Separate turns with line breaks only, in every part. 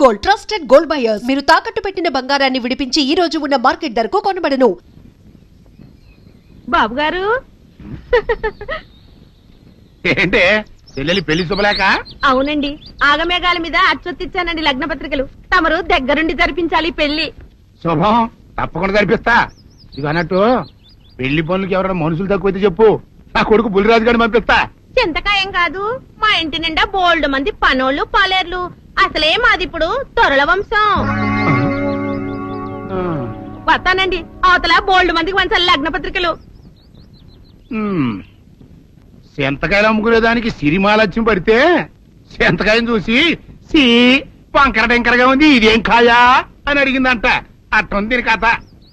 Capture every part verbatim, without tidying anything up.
Gold trusted gold buyers. మీరు తాకట్టు పెట్టిన బంగారాన్ని విడిపించి ఈ రోజు ఉన్న మార్కెట్ ధరకు కొనబడను.
బాబు గారు
ఏంటే చెల్లెలి పెళ్లి శుభలేక?
అవునండి, ఆగమేఘాల మీద అచ్చొత్తిచ్చానండి లగ్న పత్రికలు. తమరు దగ్గరుండి జరిపించాలి పెళ్లి.
శుభం, తప్పకుండా జరిపిస్తా. ఇది అన్నట్టు పెళ్లి పనులకి ఎవరైనా మనుషులు తక్కువైతే చెప్పు, నా కొడుకు బుల్లిరాజు గారిని పంపిస్తా.
చింతకాయం కాదు, మా ఇంటి నిండా బోల్డ్ మంది పనోళ్ళు పాలేర్లు. అసలే మాది ఇప్పుడు తొరల వంశం. వస్తానండి, అవతల బోల్డ్ మందికి వంచాలి లగ్న పత్రికలు.
సెంతకాయలు అమ్ముకునేదానికి సిరిమాలత్యం పడితే సెంతకాయని చూసి సి వంకర టెంకరగా ఉంది, ఇదేం కాయా అని అడిగిందంట. అట్టుంది దీని కథ.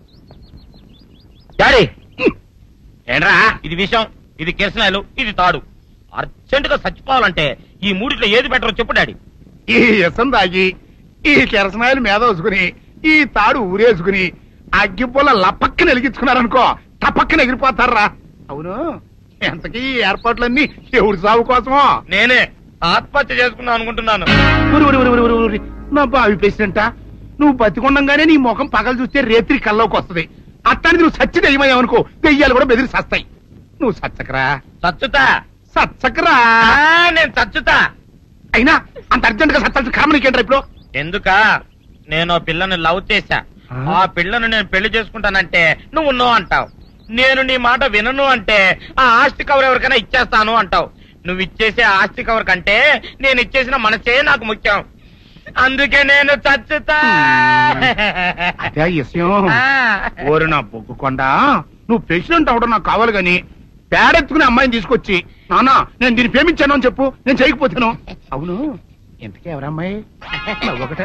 డాడీ ఏంట్రా ఇది విషయం, ఇది కిరసనాయలు, ఇది తాడు. అర్జెంట్ గా చచ్చిపోవాలంటే ఈ మూడిట్లో ఏది బెటర్ చెప్పు డాడీ.
ఈ ఇసం తాగి ఈ కిరసనాయలు మీద వేసుకుని ఈ తాడు ఊరేసుకుని అగ్గిపుల్ల లపక్కన వెలిగించుకున్నారనుకో, తపక్కన ఎగిరిపోతారా. అవును, ఎంతకీ ఈ ఏర్పాట్లన్నీ ఎవరి సాగు కోసమో?
నేనే ఆత్మహత్య చేసుకున్నాను అనుకుంటున్నాను.
ఊరి ఊరి ఊరి ఊరి ఊరి నా బావి పేసినంట. నువ్వు బతికొండంగానే నీ ముఖం పగలు చూస్తే రేత్రి కల్లోకి వస్తుంది. అట్టానికి నువ్వు సచ్చి దెయ్యమయ్యావనుకో, దెయ్యాలు కూడా బెదిరి సస్తాయి. నువ్వు సచ్చకరా
చచ్చుతా
సచ్చకరా
నేను చచ్చుతా.
అయినా అంత అర్జెంట్ గా సత్తాల్సిన కర్మ నీకేంట్రా ఇప్పుడు?
ఎందుక నేను ఆ పిల్లని లవ్ చేశా. ఆ పిల్లను నేను పెళ్లి చేసుకుంటానంటే నువ్వు నో అంటావు. నేను నీ మాట వినను అంటే ఆ ఆస్తి కవర్ ఎవరికైనా ఇచ్చేస్తాను అంటావు. నువ్వు ఇచ్చేసే ఆస్తి కవర్ కంటే నేను ఇచ్చేసిన మనసే నాకు ముఖ్యం. అందుకే నేను చచ్చుతా.
అదే విషయం. ఓరు నా బొగ్గుకొండ, నువ్వు ప్రెసిడెంట్ అవడం నాకు కావాలి గాని పేడెత్తుకునే అమ్మాయిని తీసుకొచ్చి నానా నేను దీన్ని ప్రేమించాను అని చెప్పు, నేను చేయకపోతాను. అవును, ఎంతకే ఎవరమ్మాయి? ఒకటే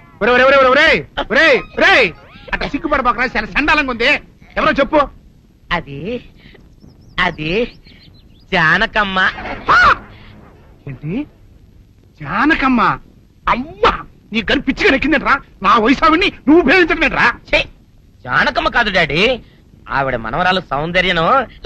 అట్లా సిగ్గుపడబాకరా, చాలా సండాలంగా ఉంది. ఎవరో చెప్పు.
అది అది జానకమ్మ.
ఏంటి జానకమ్మ? అమ్మా, నీ గని పిచ్చిగా నెక్కిందంట్రా. నా వయసావిని నువ్వు ప్రేమించట్లేట్రా.
జానకమ్మ కాదు డాడీ, ఆవిడ మనవరాలు సౌందర్యను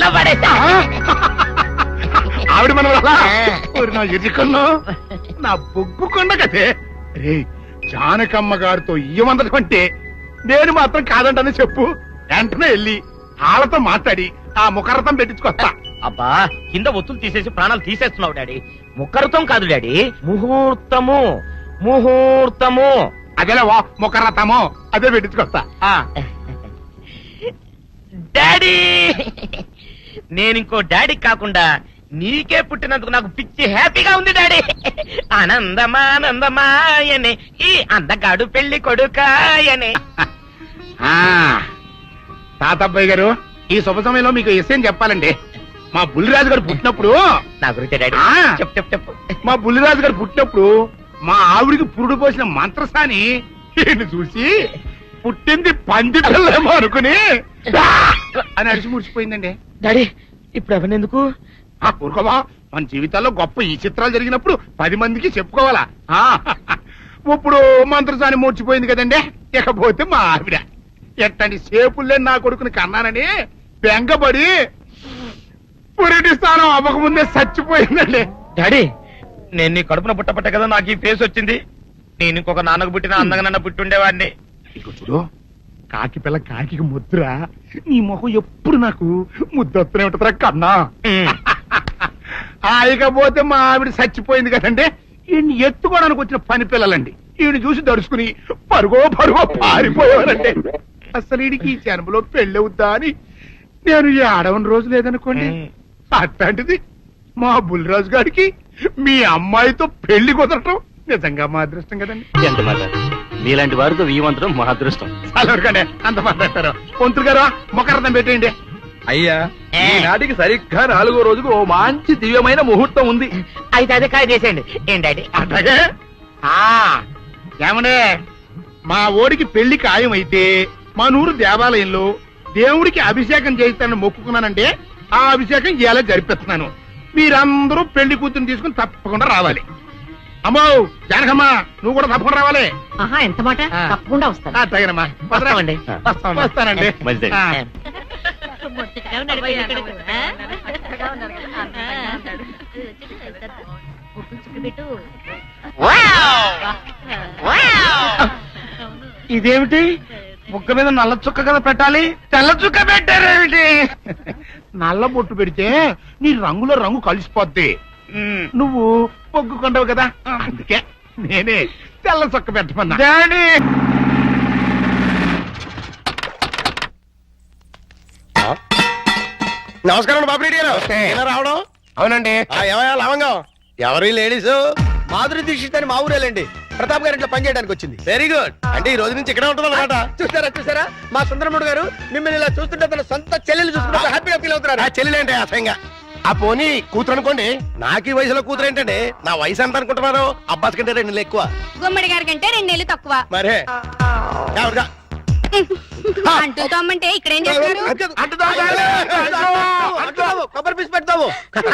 ఆవిడ మనవరాలా? నా ఎదుకల్లో నా బొగ్గుకొండ కదే. రే, జానకమ్మ గారితో ఇయ్యమందడం అంటే నేను మాత్రం కాదంటని చెప్పు. వెంటనే వెళ్ళి వాళ్ళతో మాట్లాడి ఆ ముఖరథం పెట్టించుకొస్తా.
అబ్బా, కింద ఒత్తులు తీసేసి ప్రాణాలు తీసేస్తున్నావు డాడీ. ముఖరథం కాదు డాడీ, ముహూర్తము. ముహూర్తము
అదేలే వా, ముఖరథము అదే పెట్టించుకొస్తా.
డాడీ, నేను ఇంకో డాడీ కాకుండా నీకే పుట్టినందుకు నాకు పిచ్చి హ్యాపీగా ఉంది డాడీ. ఆనందమానందమాయనే ఈ అందగాడు పెళ్లి కొడుకాయనే.
తాతబ్బాయి గారు, ఈ శుభ సమయంలో మీకు విషయం చెప్పాలండి. మా బుల్లిరాజు గారు పుట్టినప్పుడు
నా గురించి డాడీ చెప్పు చెప్పు చెప్పు.
మా బుల్లిరాజు గారు పుట్టినప్పుడు మా ఆవిడికి పురుడు పోసిన మంత్రసాని ఈయన చూసి పుట్టింది పంది పిల్లేమో అనుకుని అని అడిచి ముడిచిపోయిందండి.
డాడీ ఇప్పుడు అవన్నీ ఎందుకు?
ఆ ఊరుకోవా, మన జీవితాల్లో గొప్ప ఈ చిత్రాలు జరిగినప్పుడు పది మందికి చెప్పుకోవాలా. ఇప్పుడు మంత్రసాని మూర్చిపోయింది కదండి. ఇకపోతే మా ఆవిడ ఎట్టండి సేపుల్లే నా కొడుకుని కన్నానని బెంగపడి పురిటి స్థానం అవ్వకముందే చచ్చిపోయిందండి.
డాడీ, నేను నీ కడుపున పుట్టపట్ట కదా నాకు ఈ ఫేస్ వచ్చింది. నేను ఇంకొక నాన్నకు పుట్టిన అందంగా నన్ను పుట్టుండేవాడిని.
ఇక చూడు, కాకి పిల్ల కాకి ముద్ర, నీ మొహం ఎప్పుడు నాకు ముద్దొత్తనే ఉంటుందిరా కన్నా. ఇకపోతే మా ఆవిడ చచ్చిపోయింది కదండి. ఈయన్ని ఎత్తుకోవడానికి వచ్చిన పని పిల్లలండి ఈయన చూసి దడుచుకుని పరుగో పరుగో పారిపోయేవారండి. అసలు ఈడికి ఈ జన్మలో పెళ్ళవుద్దా అని నేను ఈ ఆడవని రోజు లేదనుకోండి. అట్లాంటిది మా బుల్లిరాజు గారికి మీ అమ్మాయితో పెళ్లి కుదరటం నిజంగా మా అదృష్టం కదండి.
ఎంత మాట, మీలాంటి వారితో వీమంతరం మా అదృష్టం.
చాలవరకండి, అంత మాట్లాడతారు. పొంతులు గారు మొకరథం పెట్టేయండి.
అయ్యా, ఈనాటికి సరిగ్గా నాలుగో రోజుకు ఓ మంచి దివ్యమైన ముహూర్తం ఉంది.
అయితే అదే కాయ చేసేయండి. ఏం డాడీ?
అట్లాగే. ఏమనే, మా ఓడికి పెళ్లి ఖాయం అయితే మా నూరు దేవాలయంలో దేవుడికి అభిషేకం చేయిస్తానని మొక్కుకున్నానంటే ఆ అభిషేకం ఇలా జరిపిస్తున్నాను. మీరందరూ పెళ్లి కూతురు తీసుకుని తప్పకుండా రావాలి. అమ్మో జానకమ్మ, నువ్వు కూడా తప్పకుండా రావాలి.
ఎంత మాట, తప్పకుండా వస్తాను.
అట్లాగేనమ్మా,
వస్తామండి.
వస్తానండి. ఇదేమిటి ముక్క మీద నల్ల చుక్క కదా పెట్టాలి, తెల్ల చుక్క పెట్టారేమిటి? నల్ల బొట్టు పెడితే నీ రంగులో రంగు కలిసిపోద్ది. నువ్వు పొగ్గుకుంటావు కదా, అందుకే నేనే తెల్ల చుక్క పెట్టమన్నా. డాడీ
నమస్కారం బాబు రెడ్డి గారు. ఎలా రావడం?
అవునండి.
ఏమయ్యా లవంగం, ఎవరు లేడీస్? మాధురి దీక్షిత్ అని మా ఊరేలండి. ప్రతాప్ గారు ఇంట్లో పనిచేయడానికి వచ్చింది. Very good. అంటే ఈ రోజు నుంచి ఇక్కడే ఉంటుంది అనమాట. చూసారా చూసారా మా సుందరముడు గారు మిమ్మల్ని ఇలా చూస్తుంటే తన సొంత చెల్లెలు చూసుకుంటే హ్యాపీగా ఫీల్ అవుతున్నారు. చెల్లెలు ఏంటి అసహ్యంగా? ఆ పోనీ కూతురు అనుకోండి. నాకు ఈ వయసులో కూతురు ఏంటండి? నా వయసు ఎంత అనుకుంటున్నారు? అబ్బాస్ కంటే రెండు నెలలు ఎక్కువ.
గుమ్మడి గారి కంటే రెండు నెలలు తక్కువ.
మరే ఎవరుగా?
అంటూ తమ్మంటే ఇక్కడ ఏం చేస్తారు?
కొబ్బరి పీసు పెడతావు.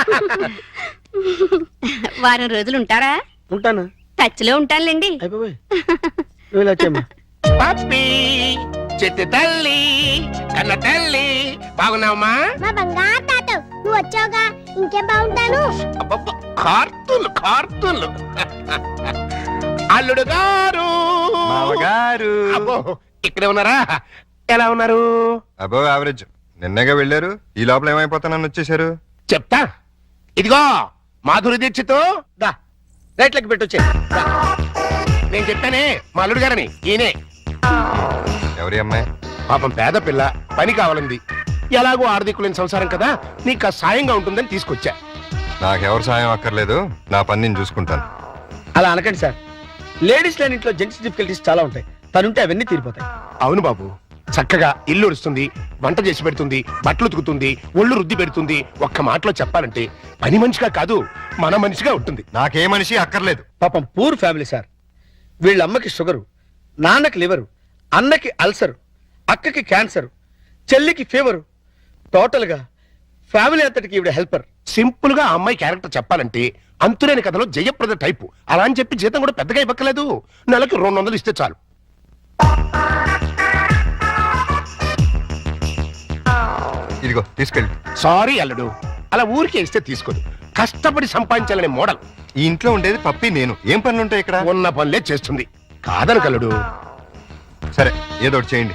వారం రోజులు ఉంటారా?
ఉంటాను.
టచ్ లో ఉంటానులేండి.
అయిపోయి నువ్వు ఇలా వచ్చామ్మా.
పప్పి చెట్టు తల్లి కన్న తల్లి బాగున్నావమ్మా?
మా బంగారు తాత నువ్వు వచ్చావుగా ఇంకేం బాగుంటాను.
అబ్బబ్బ, కార్తూలు కార్తూలు. అల్లుడు గారు
మామగారు
అబ్బో ఇక్కడే ఉన్నారా? ఎలా ఉన్నారు?
అబో యావరేజ్. నిన్నగా వెళ్ళారు, ఈ లోపల ఏమైపోతానని వచ్చేసారు.
చెప్తా. ఇదిగో మాధురి దీక్షితో
దా రైట్లకి పెట్టొచ్చే.
నేను చెప్పానే మా అల్లుడు గారని. ఈయనే
ఎవరి అమ్మాయి?
పాపం పేద పిల్ల, పని కావాలంది. ఎలాగో ఆర్థికులేని సంసారం కదా, నీకు ఆ సాయంగా ఉంటుందని తీసుకొచ్చా.
నాకెవరు సాయం అక్కర్లేదు, నా పని నేను చూసుకుంటాను.
అలా అనకండి సార్. లేడీస్ లేని ఇంట్లో జెంట్స్ డిఫికల్టీస్ చాలా ఉంటాయి. తనుంటే అవన్నీ తీరిపోతాయి.
అవును బాబు, చక్కగా ఇల్లు ఉడుస్తుంది, వంట చేసి పెడుతుంది, బట్టలు ఉతుకుతుంది, ఒళ్ళు రుద్ది పెడుతుంది. ఒక్క మాటలో చెప్పాలంటే పని మనిషిగా కాదు, మన మనిషిగా ఉంటుంది.
నాకే మనిషి అక్కర్లేదు.
పాపం పూర్ ఫ్యామిలీ సార్. వీళ్ళ అమ్మకి షుగరు, నాన్నకి లివరు, అన్నకి అల్సరు, అక్కకి క్యాన్సర్, చెల్లికి ఫీవరు. టోటల్ గా ఫ్యామిలీ అంతటికి ఈవిడ హెల్పర్. సింపుల్ గా ఆ అమ్మాయి క్యారెక్టర్ చెప్పాలంటే అంతులేని కథలో జయప్రద టైపు. అలా అని చెప్పి జీతం కూడా పెద్దగా ఇవ్వక్కలేదు, నెలకి రెండు వందలు ఇస్తే చాలు.
ఇదిగో తీసుకెళ్ళి.
సారీ అల్లుడు, అలా ఊరికే ఇస్తే తీసుకోదు. కష్టపడి సంపాదించాలనే మోడల్.
ఈ ఇంట్లో ఉండేది పప్పి నేను. ఏం పనులు ఉంటాయి ఇక్కడ?
ఉన్న పనులే చేస్తుంది, కాదను కల్లుడు.
సరే ఏదో ఒకటి చేయండి.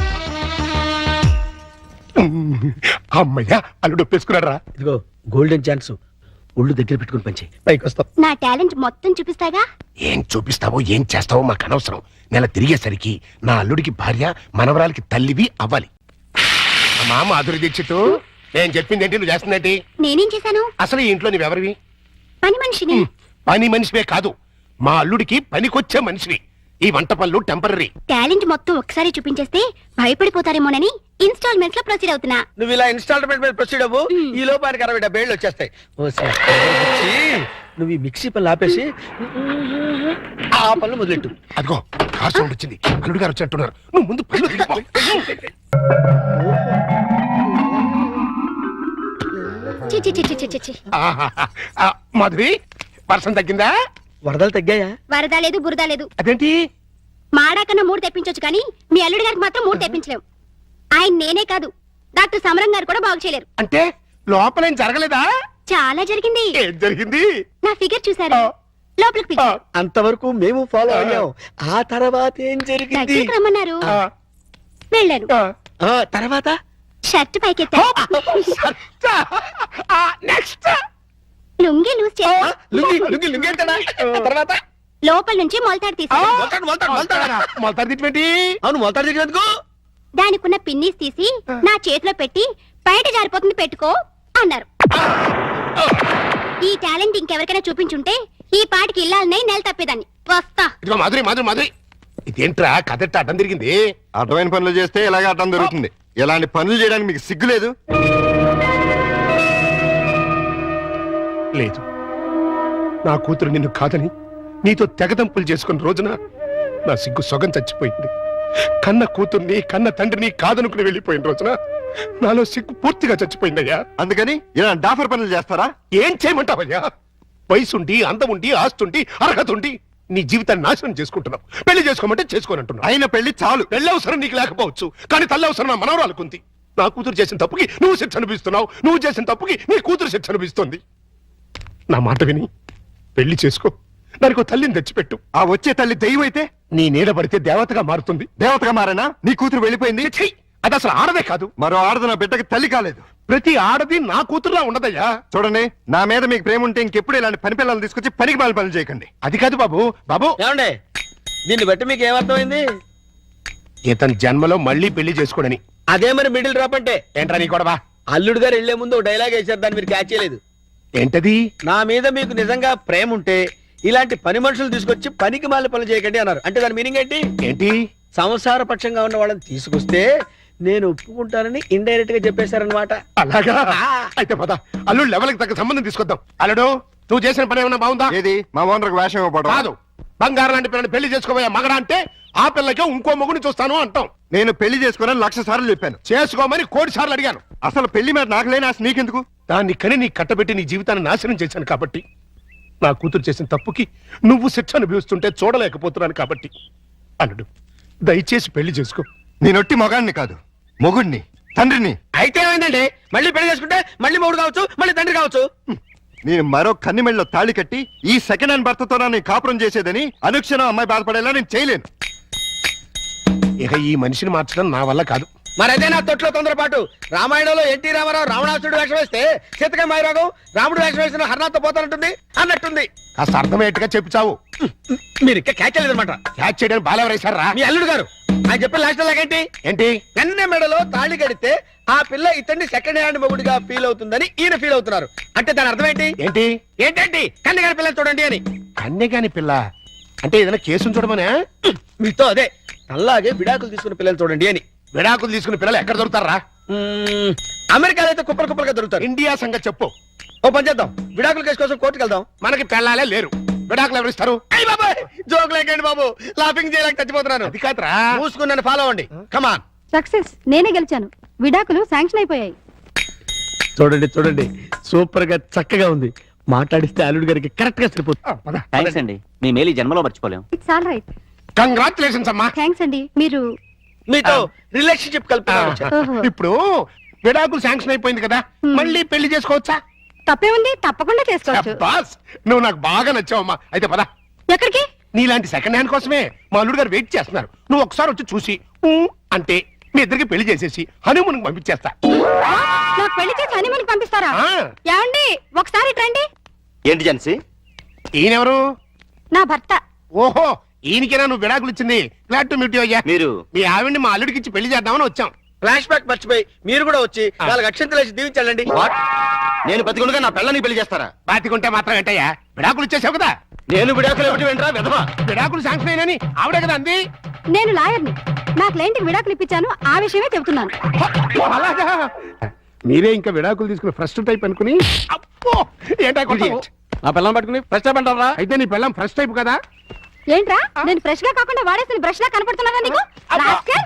అమ్మయ్యా, అల్లుడు ఒప్పేసుకున్నారా?
ఇదిగో గోల్డెన్ ఛాన్స్. ఒళ్ళు దగ్గర పెట్టుకుని పంచి పైకి వస్తాం.
నా టాలెంట్ మొత్తం చూపిస్తాగా.
ఏం చూపిస్తావో ఏం చేస్తావో మాకు అనవసరం. నెల తిరిగేసరికి నా అల్లుడికి భార్య, మనవరాలకి తల్లివి అవ్వాలి. అమ్మా మాధురి దీక్షిత్, నేను చెప్పింది ఏంటి, నువ్వు చేస్తుందేంటి?
నేనేం చేశాను?
అసలు ఈ ఇంట్లో నువ్వెవరివి?
పని మనిషిని.
పని మనిషివే కాదు, మా అల్లుడికి పనికొచ్చే మనిషివి. ఈ వంట పనులు టెంపరీ.
టాలెంట్ మొత్తం ఒకసారి చూపించేస్తే భయపడిపోతారేమోనని ఇన్స్టాల్మెంట్స్ లో ప్రొసీడ్ అవుతున్నా.
నువ్వు ఇలా ఇన్స్టాల్మెంట్ మీద ప్రొసీడ్ అవ్వు. ఈ లోపానికి అరవై డెబ్బై ఏళ్ళు వచ్చేస్తాయి. ఓ సార్, వచ్చి నువ్వు ఈ మిక్సీ పనులు ఆపేసి ఆ పనులు మొదలెట్టు.
అదిగో కార్ సౌండ్ వచ్చింది, అల్లుడు గారు వచ్చినట్టున్నారు. నువ్వు ముందు పనులు దిగిపో.
చి చి చి చి చి చి చి.
ఆహాహా. ఆ, మాధురి వర్షం తగ్గిందా?
వరదలు తగ్గాయా?
వరద లేదు బురద లేదు.
అదేంటి?
మాడా కన్నా మూడు తెప్పించొచ్చు కానీ మీ అల్లుడి గారికి మాత్రం మూడు తెప్పించలేవు. ఆయన నేనే కాదు, డాక్టర్ సమరం గారు కూడా బాగు చేయలేరు.
అంటే లోపలేం జరగలేదా?
చాలా జరిగింది.
ఏం జరిగింది?
నా ఫిగర్ చూసారు, లోపలికి పిలిచి
అంతవరకు మేము ఫాలో అయ్యాం. ఆ తర్వాత ఏం జరిగింది?
దగ్గరికి రమ్మన్నారు,
ఆ,
వెళ్ళాను.
ఆ.
ఆ తర్వాత
షర్ట్ పైకెత్తా,
ఆ, నెక్స్ట్
లుంగి లూజ్ చేస్తా,
లుంగి లుంగి లుంగి ఏంటన్నా? తర్వాత
లోపల నుంచి మొలతాడు తీసి
మొలతాడు మొలతాడు మొలతాడు.
మొలతాడు తిట్టి
అవును, మొలతాడు దగ్గరకు.
దానికున్న పిన్నీస్ తీసి నా చేతిలో పెట్టి బయట జారిపోతుంది పెట్టుకో అన్నారు. ఈ టాలెంట్ ఇంకెవరికైనా చూపించుంటే ఈ పాటికి ఇల్లాలనే నెల తప్పేదాన్ని. వస్తా.
ఇదిగో మాధురి మాధురి మాధురి, ఇదేంట్రా కదెట్ట అడ్డం తిరిగింది?
అడ్డమైన పనులు చేస్తే ఇలాగే అడ్డం దొరుకుతుంది. ఇలాంటి పనులు చేయడానికి మీకు సిగ్గు లేదు?
లేదు, నా కూతురు నిన్ను కాదని నీతో తెగదంపులు చేసుకున్న రోజున నా సిగ్గు సొగం చచ్చిపోయింది. కన్న కూతుర్ని కన్న తండ్రిని కాదనుకుని వెళ్ళిపోయిన రోజున నాలో సిగ్గు పూర్తిగా చచ్చిపోయిందయ్యా.
అందుకని ఇలా డాఫర్ పనులు చేస్తారా?
ఏం చేయమంటావయ్యా? వయసుండి, అందముండి, ఆస్తుండి, అర్హత ఉండి నీ జీవితాన్ని నాశనం చేసుకుంటున్నావు. పెళ్లి చేసుకోమంటే చేసుకోనంటున్నావు.
అయిన పెళ్లి చాలు.
పెళ్లి అవసరం నీకు లేకపోవచ్చు, కానీ తల్లి అవసరం నా మనవరాలుకుంది. నా కూతురు చేసిన తప్పుకి నువ్వు శిక్ష అనిపిస్తున్నావు, నువ్వు చేసిన తప్పుకి నీ కూతురు శిక్ష అనిపిస్తుంది. నా మాట విని పెళ్లి చేసుకో. దానికి ఒక తల్లిని తెచ్చిపెట్టు.
ఆ వచ్చే తల్లి దెయ్యం అయితే
నీ నీడ పడితే దేవతగా మారుతుంది.
దేవతగా మారేనా? నీ కూతురు వెళ్ళిపోయింది.
ఛీ! అది అసలు ఆడదే కాదు.
మరో ఆడది నా బిడ్డకి తల్లి కాలేదు.
ప్రతి ఆడది నా కూతురులా ఉండదయ్యా.
చూడండి, నా మీద మీకు ప్రేమ ఉంటే ఇంకెప్పుడు ఇలాంటి పని పిల్లలు తీసుకొచ్చి పనికి మాలి పనులు చేయకండి.
అది కాదు బాబు. బాబు,
ఏమండే దీన్ని బట్టి మీకు ఏమర్థమైంది?
ఇతని జన్మలో మళ్ళీ పెళ్లి చేసుకోడని.
అదే మరి మిడిల్ డ్రాప్ అంటే
ఏంట్రా నీ గొడవ?
అల్లుడు గారు వెళ్లే ముందు ఒక డైలాగ్ వేశారు, దాన్ని మీరు క్యాచ్ చేయలేదు.
ఏంటది?
నా మీద మీకు నిజంగా ప్రేమ ఉంటే ఇలాంటి పని మనుషులు తీసుకొచ్చి పనికి మాలి పనులు చేయకండి అన్నారు. అంటే దాని మీనింగ్ ఏంటి?
ఏంటి?
సంసార పక్షంగా ఉన్న వాళ్ళని తీసుకొస్తే నేను ఒప్పుకుంటానని ఇండైరెక్ట్ గా చెప్పేశారనమాట.
అలాగా? అయితే పద, అల్లుడు లెవెల్కి తగ్గ సంబంధం తీసుకొద్దాం. అల్లుడు, నువ్వు చేసిన పని ఏమన్నా బాగుందా?
ఏది మా ఓనర్కి వేషం ఇవ్వబడదు.
కాదు, బంగారం లాంటి పిల్లని పెళ్లి చేసుకోబోయే మగడా అంటే ఆ పిల్లకే ఇంకో మొగుని చూస్తాను అంటాం.
నేను పెళ్లి చేసుకోవాలని లక్ష సార్లు చెప్పాను.
చేసుకోమని కోటి సార్లు అడిగాను.
అసలు పెళ్లి మీద నాకు లేని ఆశ నీకెందుకు?
దాన్ని కని నీ కట్టబెట్టి నీ జీవితాన్ని నాశనం చేశాను కాబట్టి, నా కూతురు చేసిన తప్పుకి నువ్వు శిక్ష అనుభవిస్తుంటే చూడలేకపోతున్నాను కాబట్టి, అల్లుడు దయచేసి పెళ్లి చేసుకో.
నేనొట్టి మొగాడిని కాదు, మొగుడిని, తండ్రిని.
అయితే ఏమైందండి? మళ్ళీ పెళ్లి చేసుకుంటే మళ్ళీ మొగుడు కావచ్చు, మళ్ళీ తండ్రి కావచ్చు.
నేను మరో కన్నిమెళ్ళలో తాళి కట్టి ఈ సెకండ్ హ్యాండ్ భర్తతో నేను కాపురం చేసేదని అనుక్షణం అమ్మాయి బాధపడేలా నేను చేయలేను.
ఇక ఈ మనిషిని మార్చడం నా వల్ల కాదు.
మరైతే నా తొట్లో తొందరపాటు. రామాయణంలో ఎన్టీ రామారావు రావణాసుడు వేషం వేస్తే సీతకాయ మాయరాగం రాముడు వేషం వేసిన హర్నాథ్తో పోతానంటుంది అన్నట్టుంది.
కాస్త అర్థమయ్యేట్టుగా చెప్పు చావు.
మీరు ఇంకా క్యాచ్ లేదనమాట.
క్యాచ్ చేయడానికి బాలెవరేశారా?
మీ అల్లుడు గారు ఆయన చెప్పిన లాస్ట్ లాగేంటి?
ఏంటి?
కన్నె మెడలో తాళి కడితే ఆ పిల్ల ఇతన్ని సెకండ్ హ్యాండ్ మొగుడిగా ఫీల్ అవుతుందని ఈయన ఫీల్ అవుతున్నారు. అంటే దాని అర్థం ఏంటి?
ఏంటి?
ఏంటండి కన్నె గారి పిల్లలు చూడండి అని.
కన్యగాని పిల్ల అంటే ఏదైనా కేసును చూడమనే?
మీతో అదే అలాగే విడాకులు తీసుకున్న పిల్లలు చూడండి అని.
విడాకులు తీసుకున్న పిల్లలు ఎక్కడ దొరుకుతారా?
మ్మ్, అమెరికాలో అయితే కుప్పలు కుప్పలుగా దొరుకుతారు.
ఇండియా సంగతి చెప్పు.
ఓ పని చేద్దాం, విడాకుల కేసు కోసం కోర్టుకు వెళ్దాం.
మనకి పెళ్ళాలే లేరు, విడాకులు ఎవరు ఇస్తారు?
అయ్య బాబాయ్, జోక్ లేకండి బాబు, లాఫింగ్ చేయలేక చచ్చిపోతున్నాను.
అది కాదురా.
మూసుకుని నన్ను ఫాలో అవ్వండి. కమాన్.
సక్సెస్, నేనే గెలిచాను. విడాకులు శాంక్షన్ అయిపోయాయి.
చూడండి చూడండి, సూపర్ గా చక్కగా ఉంది. మాట్లాడిస్తే అల్లుడు గారికి కరెక్ట్ గా సరిపోతుంది.
థ్యాంక్స్ అండి, మీ మేలు ఈ జన్మలో మర్చిపోలేం.
It's all right.
కంగ్రాచులేషన్స్ అమ్మా.
థ్యాంక్స్ అండి. మీరు
మీతో రిలేషన్షిప్ కలుపుతున్నాను.
ఓహో.
ఇప్పుడు విడాకులు శాంక్షన్ అయిపోయింది కదా, మళ్ళీ పెళ్లి చేసుకోవచ్చా?
తప్పేముంది, తప్పకుండా చేసుకోవచ్చు.
బాస్, నువ్వు నాకు బాగా నచ్చావమ్మా. అయితే పద.
ఎక్కడికి?
నీలాంటి సెకండ్ హ్యాండ్ కోసమే మా అల్లుడు గారు వెయిట్ చేస్తున్నారు. నువ్వు ఒకసారి వచ్చి చూసి ఊ అంటే మీ ఇద్దరికి పెళ్లి చేసేసి హనీమూన్ పంపించేస్తా.
నాకు పెళ్లి చేసి హనీమూన్ పంపిస్తారా?
ఆ.
ఏమండి, ఒకసారి రండి.
ఏంటి జెన్సీ?
ఈయనెవరు?
నా భర్త.
ఓహో, ఈయనకేనా నువ్వు విడాకులు ఇచ్చింది? గ్లాడ్ టు మీట్ యు అయ్యా.
మీరు
మీ ఆవిడ్ని మా అల్లుడికి ఇచ్చి పెళ్లి చేద్దామని వచ్చాం.
ఫ్లాష్ బ్యాక్ మర్చిపోయి మీరు కూడా వచ్చి నాలుగు అక్షంతలు వేసి దీవించాలండి.
నేను బతికుండగా నా పిల్లని పెళ్లి చేస్తారా?
బాతికుంటే మాత్రం ఏంటయ్యా, విడాకులు ఇచ్చేసావు కదా.
నేను విడాకులు ఇవ్వటం ఏంట్రా విధవా?
విడాకులు శాంక్షన్ అయినని ఆవిడే కదా అంది.
నేను లాయర్ని. నా క్లయింట్కి విడాకులు ఇప్పించాను, ఆ విషయమే చెబుతున్నాను.
అలాగా? మీరే ఇంకా విడాకులు తీసుకుని ఫస్ట్ టైప్ అనుకుని అప్పో ఏంటా కొట్టావు?
నా పిల్లని పట్టుకుని ఫస్ట్ టైం అంటారా?
అయితే నీ పిల్లం ఫస్ట్ టైప్ కదా.
ఏంట్రా, నేను ఫ్రెష్ గా కాకుండా వాడేసిన బ్రష్ లా కనపడుతున్నారా నీకు? రాస్కెల్.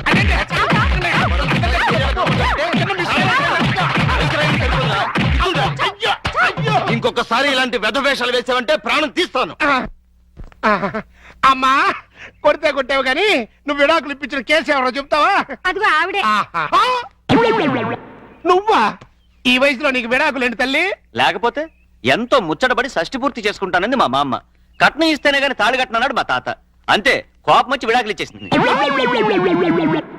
ఇంకొకసారి ఇలాంటి వెధ వేషాలు వేసావంటే ప్రాణం తీస్తాను.
అమ్మా, కొడితే కొట్టావు కానీ నువ్వు విడాకులు ఇప్పించిన కేసు ఎవరో చెప్తావా?
అదిగో ఆవిడే.
ఆహా. నువ్వా? ఈ వయసులో నీకు విడాకులు ఏంటి తల్లి?
లేకపోతే ఎంతో ముచ్చటపడి షష్టి పూర్తి చేసుకుంటానంది మా మామ. కట్నం ఇస్తేనే గాని తాళి కట్టినన్నాడు మా తాత. అంతే, కోపం వచ్చి విడాకులు ఇచ్చేసింది.